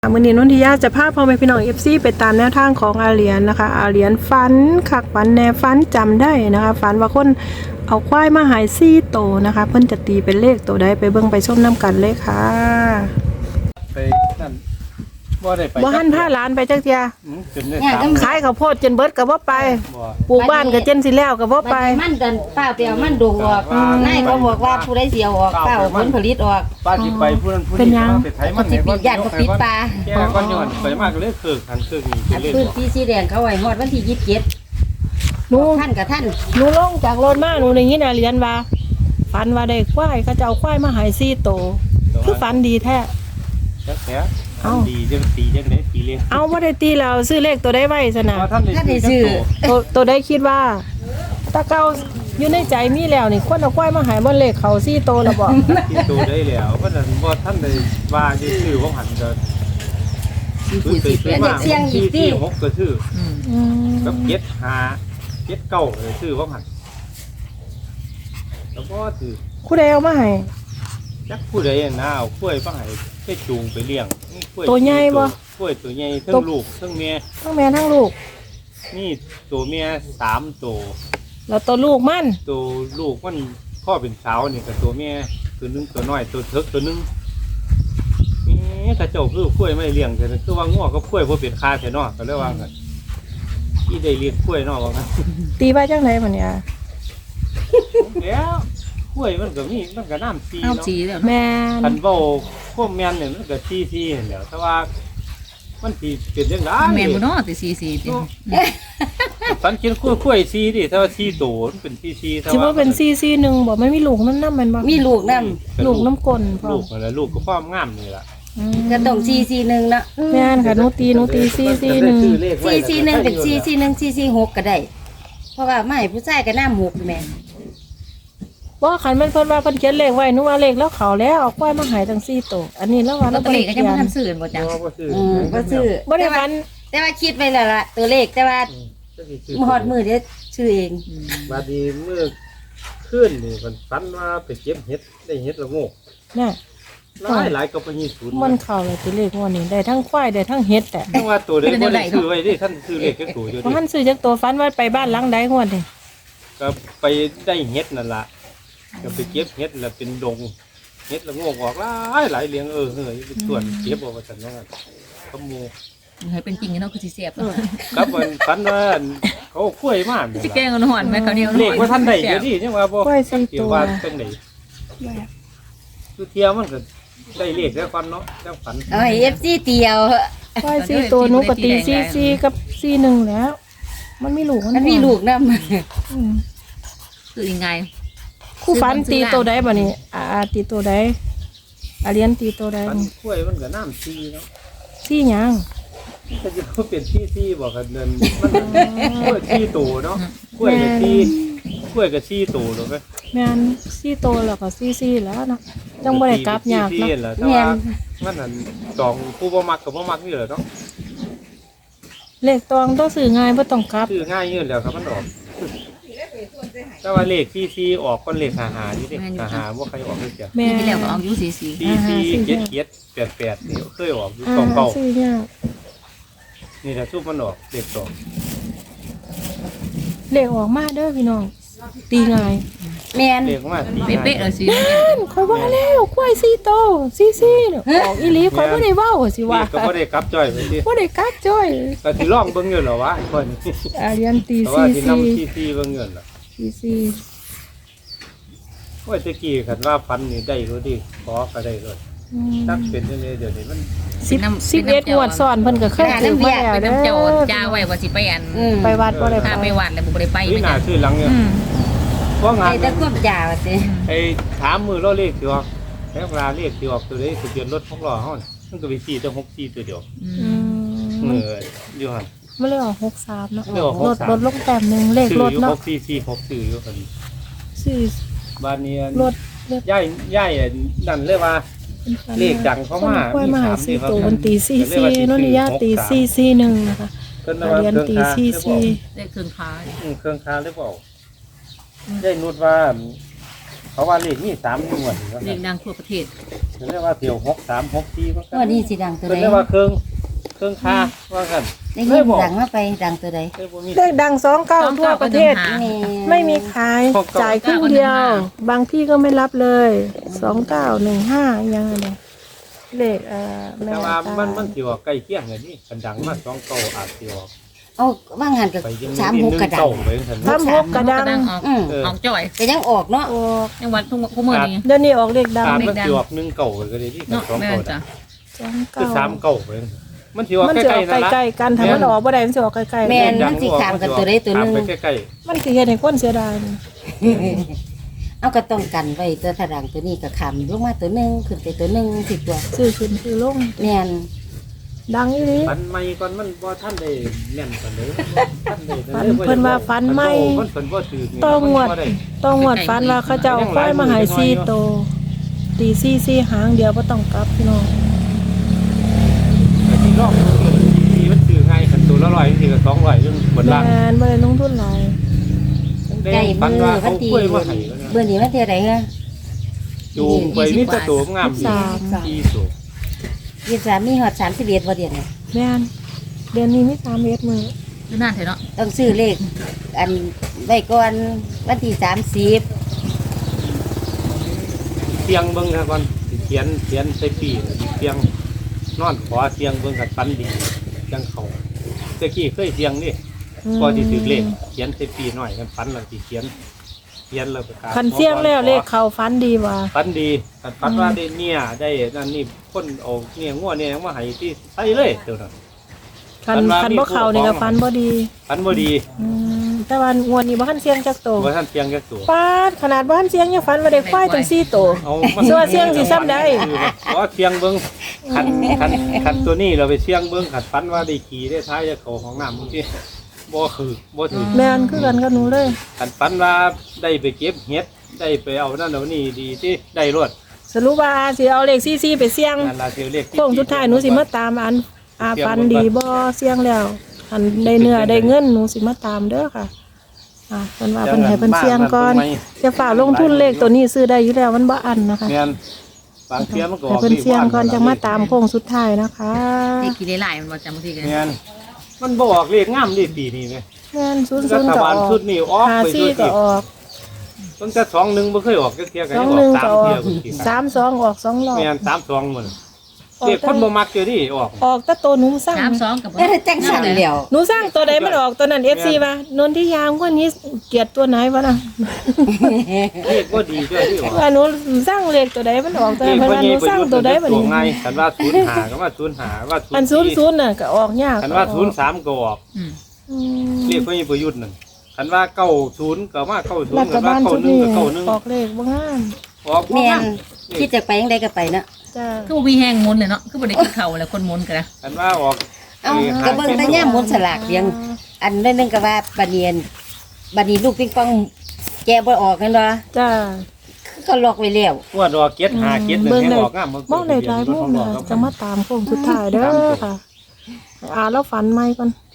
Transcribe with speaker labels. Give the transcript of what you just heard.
Speaker 1: มื้อนี้นนทิยาจะพาพ่อแม่พี่น้อง FC ไปตามแนวทางของอาเหรียญนะคะอาเหรียญฝันคักฝันแน่ฝันจำได้นะคะฝันว่าคนเอาควายมาหาย4 ตัวนะคะเพิ่นจะตีเป็นเลขตัวใดไปเบิ่งไปชมนํกันเลยค่ะ
Speaker 2: ไปนั่นบ่ได้ไป
Speaker 1: บ่หันพาหลานไปจักเที่ย
Speaker 2: จนได้3
Speaker 1: ขายข้าวโพดจนเบิดก็บ่ไป
Speaker 2: บ่
Speaker 1: ปลูกบ้านก็จนสิแล้วก็บ่ไป
Speaker 3: มันเดินเปล่าเปล่ามันดงออกนายเขาบอกว่าผู้ใดเสียวออกเปล่าผลผลิตออก
Speaker 2: ป้าสิไปผู้นั้นผู้
Speaker 1: เป็น
Speaker 2: นี้
Speaker 1: ยัง
Speaker 2: ไปไถมัน
Speaker 3: สิปิดย่านก็ปิดปลา
Speaker 2: แก่ก่อนย้อนไปมากก็เลยคือคันคือนี่
Speaker 3: อัน
Speaker 2: เล่น
Speaker 3: พื้นที่สีแดงเขาไว้ฮอดวันที่
Speaker 1: หนู
Speaker 3: 27ท่านกับท่าน
Speaker 1: หนูลงจากรถมาหนูได้ยินอาเหรียญว่าฝันว่าได้ควายเขาจะเอาควายมาหาย4 ตัวคือฝันดีแท้
Speaker 2: จักแท้
Speaker 1: เอ้า
Speaker 2: ดีจังตีจังได๋ตีเล่น
Speaker 1: เอาบ่ได้ตีแล้วซื้อเลขตัวใดไว้ซะนะ
Speaker 2: ท่านได้ซื้อ
Speaker 1: ตัวได้คิดว่าตาเก้าอยู่ในใจมีแล้วนี่คนเอาควายมาหายบนเลขเขา4 ตัวแล้วบอก
Speaker 2: ที่ตัวได้แล้วเพราะนั้นบ่ท่านได้ว่าสิซื้อบ่หันก็ที่6ก็ซื้อกับ7 5 7 9เลยซื้อบ่หันแล้วก็ซื้อ
Speaker 1: ผู้ใดเอามาให้
Speaker 2: จักผู้ใดน่ะเอากล้วยมาให้แค่จูงไปเลี้ยงนี่กล้วย
Speaker 1: ตัวใหญ่บ่
Speaker 2: กล้วยตัวใหญ่ทั้งลูกทั้งเมีย
Speaker 1: ทั้งแม่ทั้งลูก
Speaker 2: นี่ตัวเมีย3ตัว
Speaker 1: แล้วตัวลูกมัน
Speaker 2: ตัวลูกมันพ่อเป็นสาวนี่กับตัวเมียตัวนึงตัวน้อยตัวเถิกตัวนึงนี่ถ้าเจ้าคือกล้วยไม่เลี้ยงแต่คือว่าง้อกับกล้วยบ่เป็นค่าแท้เนาะก็เลยว่ากันที่ได้เลี้ยงกล้วยเนาะว่ากัน
Speaker 1: ตีไว้จังได๋บัดเนี่ย
Speaker 2: แล้วกล้วยมันก็มีมันก็น้ำซี
Speaker 3: เอา
Speaker 2: เนาะ
Speaker 3: สีแล้ว
Speaker 1: แม่
Speaker 2: คั
Speaker 1: น
Speaker 2: นเว้าพวกแม่นเนี่ยมันก็ซีๆนั่นแหล้วแต่ว่ามันสิเป็นจังได๋
Speaker 4: แม่นบ่เนาะติซีติ
Speaker 2: ฝันกินกล้วยซีดิถ้าว่าซีโตมันเป็นซีถ้า
Speaker 1: สิ
Speaker 2: ว่า
Speaker 1: ว่าเป็น441บ่มันมีลูกมันนำมันบ่
Speaker 3: มีลูกนํ
Speaker 1: ลูกน้ำกลนพร้อ
Speaker 2: ลู
Speaker 1: ม
Speaker 2: กอะไรลูกก็ความงามนี่ล่ะ
Speaker 3: ก็ต้อง441เนาะ
Speaker 1: แม่นค่ะหนูตี441
Speaker 3: 441เป็น441 446ก็ได้เพราะว่าไม่ผู้ชายก็น้ำ6แม่
Speaker 1: ว่าคันมันเพิ่นว่าเพิ่นเขียนเลขไว้หนูว่าเลขแล้วเขาแล้วเอาควายมาหายทั้ง4 ตัวอันนี้แล้วว่า
Speaker 4: ลอ
Speaker 1: เรา
Speaker 4: ตเตอ
Speaker 1: บ่ได้
Speaker 4: รี่ก็
Speaker 1: เขี
Speaker 4: ยัง
Speaker 1: ย
Speaker 4: บ่
Speaker 1: น
Speaker 4: ทันซื้อบ่จัง
Speaker 2: บ่ซื้อ
Speaker 3: บ่ซื้อ
Speaker 1: บ่ได้ฝัน
Speaker 3: แต่ว่าคิดไว้แล้วล่ะตัวเลขแต่ว่าฮอดมือเด้ชื่อเอง
Speaker 2: บาดนี้เมื่อคืนนี่มันฝันว่าไปเก็บเห็ดได้เห็ดละโงก
Speaker 1: น่ะ
Speaker 2: หลายก็ไปยี่ศูนย์
Speaker 1: มันเข้าเลยตัวเลขงวดนี้ได้ทั้งควายได้ทั้งเฮ็ดแต่
Speaker 2: ทั้งว่าตัวใดบ่ได้ซื้อไว้ดิท่านซื้อเลขแค่ตัวอยู่
Speaker 1: เพราะ
Speaker 2: ดิ
Speaker 1: มันซื้อจากตัวฝันว่าไปบ้านหลังใดงวดนี่
Speaker 2: ก็ไปได้เห็ดนั่นล่ะก็ไปเก็บเห็ดแล้วเป็นดงเห็ดละโงกออกหลายเลี้ยงเฮ้ยเป็นส่วนเก็บเอาว่าซั่นว่าขโมย
Speaker 4: ให้เป็นจริงเนาะคือสิแซ่บ
Speaker 2: ครับมันฝันว่าเขาเอากล้วยมาแม่น
Speaker 4: สิ
Speaker 2: ล่ะ
Speaker 4: แกงอ่อนๆแม่เขาวเหนียว
Speaker 2: เลขว่าท่านได้เดี๋ยวนี้ยังว่าบ่
Speaker 1: ควาย4
Speaker 2: เกี่ย
Speaker 1: ตัว ว
Speaker 2: ว่าจังได๋คือเที่ยวมันก็ได้เลขแล้วก่อนเนาะจังฝัน
Speaker 3: เอาให้ FC เตียว
Speaker 1: ควาย4 ตัวหนูก็ตี44กับ41แล้ว มันมีลูก
Speaker 3: มันมีลูกนำ
Speaker 1: อืม
Speaker 4: คือยังไง
Speaker 1: คู่ฝันตีตัวใดบ่นี่ตีตัวใดเรียนตีตัวใด
Speaker 2: ฝันกล้วยมันก็น้ำซีเนาะ
Speaker 1: ซี่หยัง
Speaker 2: ถ้าจะเขาเป็นที่บอกกันเดินมันกล้วยที่ตูเนาะกล้วยกับที่กล้วยกับที่ตูถูกไหม
Speaker 1: แม่น4 ตัวแล้วก็44แล้วเนาะจังบ่ได้กลับยาก
Speaker 2: ที่
Speaker 1: เนาะ
Speaker 2: แหละแต่ว่ามันนั่นสองผู้บ่มักกับบ่มักนี่แหละเนาะ
Speaker 1: เลขตองต้องซื้อง่ายบ่ต้องกลับ
Speaker 2: ชื่อง่ายยืดแล้วครับมันออกแต่ว่าเลขที่ออกก้อนเลขหานี่ดิหาว่าใครออกเลยจ้ะ
Speaker 1: แม่
Speaker 4: ที่แล้วก็เอาอยู่ซี
Speaker 2: ที่เจ็ด88นี่เคยออกอยู่สองเก่า
Speaker 1: ซื้อยาก
Speaker 2: นี่แหละชุบมันออกเลขสอง
Speaker 1: เลขออกมาเด้อพี่น้องตีง่าย
Speaker 3: แม่น
Speaker 2: เลขมาตี
Speaker 4: เป๊ะๆเลยสิ
Speaker 1: ข่อยว่าแล้วควาย4 ตัว44เนี่ยออกอีหลีข่อยบ่ได้เว้าสิ
Speaker 2: เล
Speaker 1: ว่า
Speaker 2: ขก็บ่ได้กลับจ้อยไปสิ
Speaker 1: บ่ได้กักจ้อย
Speaker 2: ก็สิลองเบิ่งอยู่เหรอวะคน
Speaker 1: เรียนตี
Speaker 2: แต่ว่าที่นำที่เบิ่งเงินล่ะ
Speaker 1: 44
Speaker 2: ว่าตะกี้คันว่าฟันนี่ได้รู้ดิขอก็ได้เลยตักเป็นจังได๋เดี๋ยวนี้มัน
Speaker 1: 11งวดซ้อนเพิ่นก็เคยถือมาแล้ว
Speaker 4: ไป
Speaker 1: เด้
Speaker 4: น้ำเจ้า
Speaker 1: อ
Speaker 4: จ้าไว้ว่าสิไปอัน
Speaker 1: ไปวัดบ่ได้
Speaker 4: พาไป
Speaker 1: ไป
Speaker 4: วัดแล้วบ่ได้ไป
Speaker 2: นี่หน้าชื่อหลังเนี่ย
Speaker 4: อืม
Speaker 2: เพราะงา
Speaker 3: ไอ้
Speaker 2: น
Speaker 3: ตะควบยาวสิ
Speaker 2: ไอ้ถามมือเราเลขสิออกแล้วเวลาเลขสิออกตัวใดทะเบียนรถของเราเฮามันก็ไป4ตัว64ตัวเดียว
Speaker 1: อืม
Speaker 2: มืออยู่หั่น
Speaker 1: มันเลยออก63เนาะ
Speaker 2: มันเลยออก
Speaker 1: รถ
Speaker 2: 63
Speaker 1: รถลงแต้มหนึงเลข
Speaker 2: ซื้อ
Speaker 1: รถ
Speaker 2: อยู่
Speaker 1: เนาะ
Speaker 2: 6446ซื้ออยู่หั่น
Speaker 1: ซื้อ
Speaker 2: บ้านนี้
Speaker 1: รถเลข
Speaker 2: ย่ายนั่นเลยว่า เลขดังเข้ามา
Speaker 1: ควายมาหา
Speaker 2: มี
Speaker 1: 4
Speaker 2: 3
Speaker 1: ตัว
Speaker 2: นี่ครับ
Speaker 1: มันตี44โนนนิยาตี441นะคะ
Speaker 2: เพิ่นว่า
Speaker 1: เรียน
Speaker 2: เครื่อง
Speaker 1: ตี
Speaker 2: คา
Speaker 1: 44
Speaker 4: ได้เครื่องค้า
Speaker 2: เครื่องคาหรือเปล่าได้นุดว่าเขาว่าเลขนี่3งวด
Speaker 4: เรียงดังทั่วประเทศ
Speaker 2: เรียกว่าเที่ยว6364ว่ากั
Speaker 3: วันนี้สิดังตัว
Speaker 2: เพิ่น
Speaker 3: ใด
Speaker 2: เรียกว่าเครื่องค่าว่ากัน
Speaker 3: ได้ยินดังมาไปดังตัวใด
Speaker 2: เอ้ยบ่มี
Speaker 1: เลขดัง29ทั่วประเทศ
Speaker 3: แม่
Speaker 1: ไม่มีขายจ่ายครึ่งเดียว บางที่ก็ไม่รับเลย2915ยังไงเนี่ยเลขแม่
Speaker 2: แต่ว่า
Speaker 1: ตา
Speaker 2: มันสิว่าใกล้เคียงกันนี่กันดังมา2เก่าอาจสิออก
Speaker 3: เอาว่างหันกับ
Speaker 2: ไปยัง
Speaker 3: 36กระดัง
Speaker 2: ไปจังซั่น
Speaker 1: สามหกกระดัง
Speaker 4: ออก
Speaker 3: อืม
Speaker 4: ออกจ่อย
Speaker 3: ก็ยังออกเนาะ
Speaker 1: ออก
Speaker 4: จังหวัดทุกมื้อนี้
Speaker 1: เดี๋ยวนี้ออกเลขดัง
Speaker 2: อาจมันสิออก1เก่าก็ได้ที่กั
Speaker 4: เนาะ
Speaker 2: บ2
Speaker 4: แม่
Speaker 2: เก่า
Speaker 4: จ้ะ
Speaker 2: คือ3เก่าไปมันสิออก
Speaker 1: มัน
Speaker 2: ใก
Speaker 1: จะอ
Speaker 2: ล้
Speaker 1: อก
Speaker 2: ๆนั่นล่ะ
Speaker 1: ใกล้ๆกันถ้ามันออกบ่ได้มันจะออกใกล้
Speaker 3: แม่นมันสิขามกันตัวใดตัวหนึง
Speaker 2: ไปใกล้
Speaker 1: ๆมันสิเฮ็ดให้คนเสียดาย
Speaker 3: เอาก็ต้องกันไว้ตัวถ้าดังตัวนี้ก็ขามลงมาตัวหนึงขึ้นไปตัวหนึงสิตัว
Speaker 1: ซื้อขึ้นซื้อลง
Speaker 3: แม่น
Speaker 1: ดังอีหลี
Speaker 2: ๆฝันใหม่ก่อนมันบ่ทันได้แน่นปานใดทันได้
Speaker 1: เพิ่นว่าฝันใหม่
Speaker 2: มันเพิ่นบ่ถือนี่
Speaker 1: ต้องงวด
Speaker 2: มันบ่ไ
Speaker 1: ต้องงวดฟันว่าเขาจะเอาควายมาใหาย4โตตี4หางเดียวบ่ต้องกลับพี่น้อง
Speaker 2: แต่ที่รอบที่มันถือง่ายคันตัวละ100ทีก็200นึงบนล่าง
Speaker 1: แม่นบ่ได้ลงทุนหลาย
Speaker 3: ใกล้
Speaker 2: ฝัน
Speaker 3: มือ
Speaker 2: ว่า
Speaker 3: วั
Speaker 2: เขา
Speaker 3: นที่
Speaker 2: กล้วยมาให้แล้ว
Speaker 3: เบื่อนี้วันที่ใดฮะ
Speaker 2: จูงไปมีแตะตัวงามดีที่สุด
Speaker 3: 23มีฮอด31บ่เดือนน่ะ
Speaker 1: แม่นเดือนนี้มี3เอ็ดมื้อ
Speaker 4: ดูนานเถอะเนาะ
Speaker 3: ต้องซื้อเลขอันไว้ก่อนวันที่30
Speaker 2: เสียงเบิ่งซะก่อนสิเขียนใส่ปีสิเสียงนอนขอเสียงเบิ่งกับฝันดีเสียงเขาตะกี้เคยเสียงนี่พอสิถือเลขเขียนใส่ปีหน่อยกันฝันแล้วสิเขียนแล้วประกาศ
Speaker 1: คันเสียงแล้วเลขเข้าฟันดีว่า
Speaker 2: ฝันดีฝันว่าได้เนี่ยได้นั่นนี่คนเอาเนี่ยงัวเนี่ยมาให้ที่ใส่เลยเดี๋ยวนั้น
Speaker 1: คันบ่เข้านี่ก็ฟันบ่ดี
Speaker 2: ฝันบ่ดี
Speaker 1: แต่ว่างวดนี้บ่ทันเสียงจักโต
Speaker 2: ว่าท่านเสียงแค่ตัว
Speaker 1: ปาดขนาดบ่ทันเสียงยังฝันว่าได้ควายตั้ง4โต
Speaker 2: เอา
Speaker 1: ส่วนเสียงสิซ้ำใด
Speaker 2: เพราะเสียงเบิ้งคันตัวนี้เราไปเสียงเบิ้งขัดฟันว่าได้ขี่ได้ท้ายจะเขาของน้ำบางทีบ่คือบ่ถือ
Speaker 1: แม่นคือกันกับหนูเลย
Speaker 2: ขัดฟันว่าได้ไปเก็บเห็ดได้ไปเอานั่นเอานี่ดีที่ได้รวด
Speaker 1: สรุปว่าสิเอาเลข44ไปเสี่ยง
Speaker 2: นั่นล่ะเสียวเลข
Speaker 1: โค้งสุดท้ายหนูสิมาตามอันฟันดีบ่เสี่ยงแล้วอันได้เนื้อได้เงินหนูสิมาตามเด้อค่ะเพิ่นว่าเพิ่นให้เพิ่นเสี่ยงก่อนจะฝากลงทุนเลขตัวนี้ซื้อได้อยู่แล้วมันบ่อันนะคะ
Speaker 2: แม่นบางเทียมันก็อ
Speaker 1: ให้
Speaker 2: อก
Speaker 1: เพิ่นเสี่ยงก่อนจะมาตามโค้งสุดท้ายนะคะ
Speaker 4: ที่กี่ได้หลายมันบ่จำบางทีกัน
Speaker 2: แม่นมันบ่ออกเลขงามดีปีนี้แม่
Speaker 1: แม่น
Speaker 2: รั
Speaker 1: 00
Speaker 2: ฐ
Speaker 1: ก็อบ
Speaker 2: าล
Speaker 1: อก
Speaker 2: ชุดนี้ออกไปด้วย
Speaker 1: 54ก็
Speaker 2: ที่
Speaker 1: ออก
Speaker 2: ตั้งแต่21บ่เคยออกจักเที่ยก็ยังออก
Speaker 1: 21ก็อ
Speaker 2: 3เที่
Speaker 1: อย ก
Speaker 2: พุ่นสิ
Speaker 1: 32ออก2รอบ
Speaker 2: แม่น32มื้อเด็กคนบ่มักเจอนี่ออก
Speaker 1: ออกแต่ตัวหนูสร้าง
Speaker 4: 32กับ
Speaker 3: เอ้ยจังสั่นแล้ว
Speaker 1: หนูสร้างตัวใดมันออกตัวนั้น FC ว่านนทิยามคนนี้เกลียดตัวไหนวะน่ะ
Speaker 2: เลขบ่ดีเด้อที่ออก
Speaker 1: ว่าหนูสร้างเลขตัวใดมันออกตัวนั้นเพิ่นว่าหนูสร้างตัวใดบัดนี้
Speaker 2: ไงคันว่า05ก็ว่า05ว่า
Speaker 1: อัน00น่ะก็ออกยาก
Speaker 2: คันว่า03ก็ออก
Speaker 4: อืม
Speaker 1: อืม
Speaker 2: เรียกว่าประยุทธ์นั่นคันว่า90ก็มา90
Speaker 1: รัฐ
Speaker 2: คัน
Speaker 1: บา
Speaker 2: ว่า
Speaker 1: ลชุดนี้
Speaker 2: 91ก็
Speaker 1: ออกเลขบ่งาม
Speaker 2: 91ออกบ่
Speaker 3: แม่
Speaker 2: งั้
Speaker 3: น
Speaker 2: น
Speaker 3: คิดจะไปยังไดก็ไปเนาะ
Speaker 1: จ้า
Speaker 4: คือบ่มีแห้งมนต์เลยเนาะคือบ่ได้กินข้าวแล้วคนมนต์กันนะ
Speaker 2: คันว่าออก
Speaker 3: เอ้าก็เบิ่งแต่ย่ามหมุนสลากเพียงอันนึงก็ว่าบัดนี้ลูกปิงปองแกะบ่ออกกันบ่
Speaker 1: จ้า
Speaker 3: คือเขาล็อกไว้แล้ว
Speaker 2: ว่าดอกเก็ด5เก็ด1ให้ออกงาม
Speaker 1: มองได้หลายมุมน่ะจะมาตามโค้งสุดท้ายเด้อค่ะเราฝันใหม่ก่อน